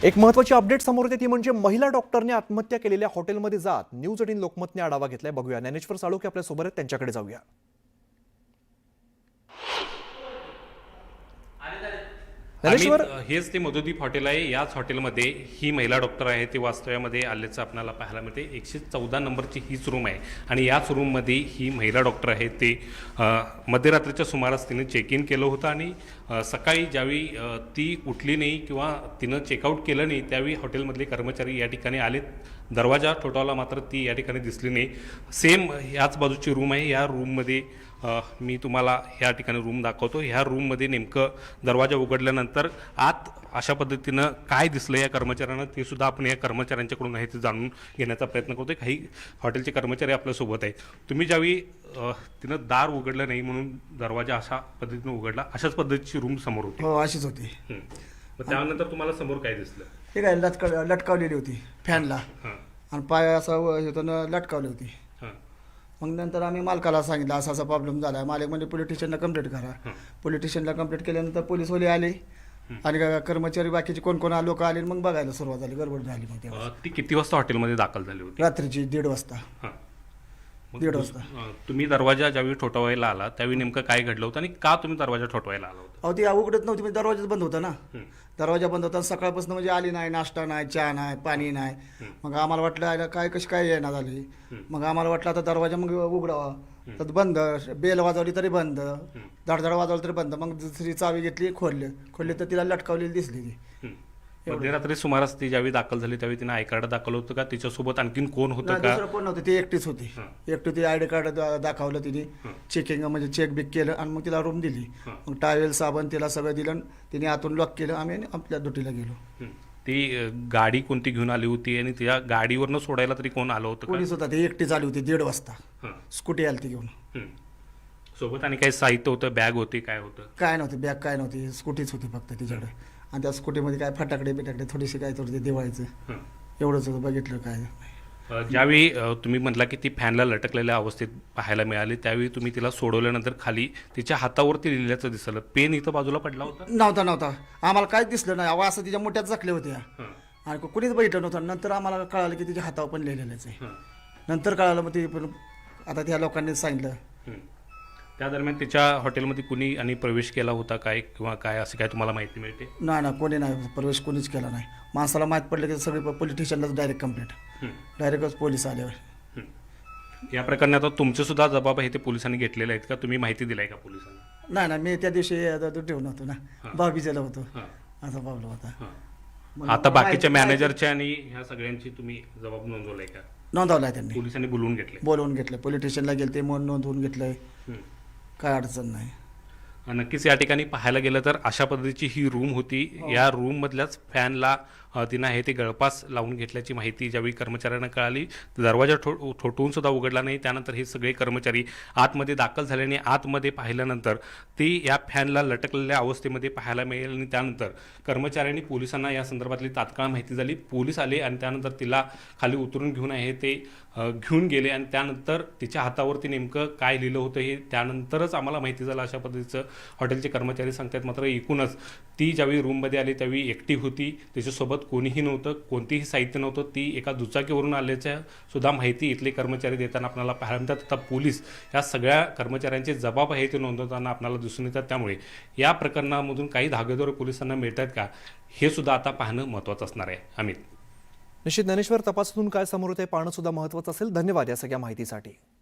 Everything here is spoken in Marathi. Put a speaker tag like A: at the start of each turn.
A: एक महत्त्वाची अपडेट समोर येते ती म्हणजे महिला डॉक्टरने आत्महत्या केलेल्या हॉटेलमध्ये जात न्यूज 18 लोकमतने आढावा घेतलाय. बघूया, ज्ञानेश्वर साळोखे आपल्या सोबत आहेत, त्यांच्याकडे जाऊया. ज्ञानेश्वर,
B: हेच ते मधुदीप हॉटेल आहे. याच हॉटेलमध्ये ही महिला डॉक्टर आहे ती वास्तव्यामध्ये आल्याचं आपल्याला पाहायला मिळते. 114 नंबरची हीच रूम आहे आणि याच रूममध्ये ही महिला डॉक्टर आहे ते मध्यरात्रीच्या सुमारास तिने चेक इन केलं होतं आणि सकाळी ज्यावेळी ती उठली नाही किंवा तिनं चेकआउट केलं नाही त्यावेळी हॉटेलमधले कर्मचारी या ठिकाणी आलेत. दरवाजा ठोठावला मात्र ती या ठिकाणी दिसली नाही. सेम याच बाजूची रूम आहे. या रूममध्ये मी तुम्हाला ह्या ठिकाणी रूम दाखवतो. ह्या रूममध्ये नेमकं दरवाजा उघडल्यानंतर आत अशा पद्धतीनं काय दिसलं या कर्मचाऱ्यांना ते सुद्धा आपण या कर्मचाऱ्यांच्याकडून आहे ते जाणून घेण्याचा प्रयत्न करतो. काही हॉटेलचे कर्मचारी आपल्यासोबत आहेत. तुम्ही ज्यावेळी तिनं दार उघडलं नाही म्हणून दरवाजा अशा पद्धतीनं उघडला, अशाच पद्धतीची रूम समोर होती.
C: हो, अशीच होती.
B: मग त्यानंतर तुम्हाला समोर काय दिसलं?
C: ठीक आहे, लटकावलेली होती फॅनला आणि पाय असं होतं लटकावली होती. मग नंतर आम्ही मालकाला सांगितलं असा असा प्रॉब्लेम झाला आहे. मालक म्हणजे पोलीस स्टेशनला कंप्लेंट करा. पोलीस स्टेशनला कंप्लेंट केल्यानंतर पोलीसवाले आले आणि कर्मचारी बाकीचे कोण कोण लोक आले. मग बघायला सुरुवात झाली, गडबड झाली. मग तेव्हा
B: ती किती वाजता हॉटेलमध्ये दाखल झाली होती?
C: रात्रीची 1:30 वाजता.
B: मग
C: 1:30 वाजता.
B: तुम्ही दरवाजा ज्यावेळी ठोठवायला आला त्यावेळी नेमकं काय घडलं होतं आणि का तुम्ही दरवाजा ठोठवायला आला होता?
C: अहो, ती उघडत नव्हती, म्हणजे दरवाजाच बंद होता ना. दरवाजा बंद होता. सकाळपासून म्हणजे आली नाही, नाश्ता नाही, चहा नाही, पाणी नाही. मग आम्हाला वाटलं आयला काय कशी काय येणार झाली. मग आम्हाला वाटलं आता दरवाजा मग उघडावा, तर बंद. बेल वाजवली तरी बंद, धडधड वाजवली तरी बंद. मग दुसरी चावी घेतली, खोलली तर तिला लटकावलेली दिसली ती.
B: मध्यरात्री सुमारास ती ज्यावेळी दाखल झाली त्यावेळी तिने आय कार्ड दाखल होतं का? तिच्यासोबत आणखीन कोण होतं का?
C: दुसरं कोण नव्हतं, ती एकटीच होती. एकटी ती आयडी कार्ड दाखवलं तिने, चेकिंग म्हणजे चेक बिक केलं आणि मग तिला रूम दिली. मग टावेल साबण तिला सगळं दिलं. तिने आतून लॉक केलं. आम्ही आपल्या ड्युटीला गेलो.
B: ती गाडी कोणती घेऊन आली होती आणि त्या गाडीवरनं सोडायला तरी कोण आलं होतं?
C: पोलीस होता, ती एकटी आली होती 1:30 वाजता. स्कूटी आली ती घेऊन.
B: सोबत आणि काही साहित्य होतं? बॅग होती? काय होतं?
C: काय नव्हती बॅग, काय नव्हती. स्कूटीच होती फक्त तिच्याकडे. आणि त्या स्कूटीमध्ये काय फटाकडे बिटाकडे थोडीशी काय थोडी दिवाळीचं एवढंच होतं. बघितलं काय.
B: ज्यावेळी तुम्ही म्हटला की ती फॅनला लटकलेल्या अवस्थेत पाहायला मिळाली त्यावेळी तुम्ही तिला सोडवल्यानंतर खाली तिच्या हातावरती लिहिल्याचं दिसलं. पेन इथं बाजूला पडला होता?
C: नव्हता. आम्हाला काहीच दिसलं नाही. अहो, असं तिच्या मोठ्यात जखल्या होत्या आणि कुणीच बघितलं नव्हतं. नंतर आम्हाला कळालं की तिच्या हातावर पण लिहिलेलंच आहे. नंतर कळालं. मग ते पण आता त्या लोकांनी सांगितलं.
B: त्या दरम्यान तिच्या हॉटेलमध्ये कुणी आणि प्रवेश केला होता काय किंवा काय असं काय तुम्हाला माहिती मिळते?
C: नाही, कोणी नाही प्रवेश, कोणीच केला नाही. माणसाला माहीत पडलं की सगळे पोलीस स्टेशनलाच डायरेक्ट कंप्लेंट, डायरेक्टच पोलीस आल्यावर.
B: या प्रकरणात आता तुमचे सुद्धा जबाब आहे ते पोलिसांनी घेतलेले आहेत का? तुम्ही माहिती दिलाय का पोलिसांना?
C: नाही, मी त्या दिवशी ठेवून होतो ना, बाबीजेला होतो. असा प्रॉब्लेम होता.
B: आता बाकीच्या मॅनेजरच्या आणि ह्या सगळ्यांची तुम्ही जबाब नोंदवलाय का?
C: नोंदवलाय त्यांनी.
B: पोलिसांनी बोलवून
C: घेतलं. पोलीस स्टेशनला गेले ते नोंदवून घेतलंय. काय अडचण नाही.
B: नक्कीच या ठिकाणी पाहायला गेलं तर अशा पद्धतीची ही रूम होती. या रूम मधल्याच फॅनला तिनं आहे ते गळपास लावून घेतल्याची माहिती ज्यावेळी कर्मचाऱ्यांना कळाली. दरवाजा ठोठवून सुद्धा उघडला नाही. त्यानंतर हे सगळे कर्मचारी आतमध्ये दाखल झाल्याने आतमध्ये पाहिल्यानंतर ती या फॅनला लटकलेल्या अवस्थेमध्ये पाहायला मिळेल आणि त्यानंतर कर्मचाऱ्यांनी पोलिसांना या संदर्भातली तात्काळ माहिती झाली. पोलीस आले आणि त्यानंतर तिला खाली उतरून घेऊन आहे ते घेऊन गेले आणि त्यानंतर तिच्या हातावरती नेमकं काय लिहिलं होतं हे त्यानंतरच आम्हाला माहिती झालं अशा पद्धतीचं हॉटेलचे कर्मचारी सांगतात. मात्र एकूणच ती ज्यावेळी रूममध्ये आली त्यावेळी एकटी होती. तिच्यासोबत कोणीही नव्हतं, कोणतीही साहित्य नव्हतं. ती एका दुचाकीवरून आल्याच्या सुद्धा माहिती इथले कर्मचारी देताना आपल्याला पाहायला मिळतात. आता पोलीस या सगळ्या कर्मचाऱ्यांचे जबाब आहे ते नोंदवताना आपल्याला दिसून येतात. त्यामुळे या प्रकरणामधून काही धागेदोरे पोलिसांना मिळतात का हे सुद्धा आता पाहणं महत्त्वाचं असणार आहे. अमित,
A: निश्चित ज्ञानेश्वर, तपासातून काय समोर येते पाहणं सुद्धा महत्त्वाचं असेल. धन्यवाद या सगळ्या माहितीसाठी.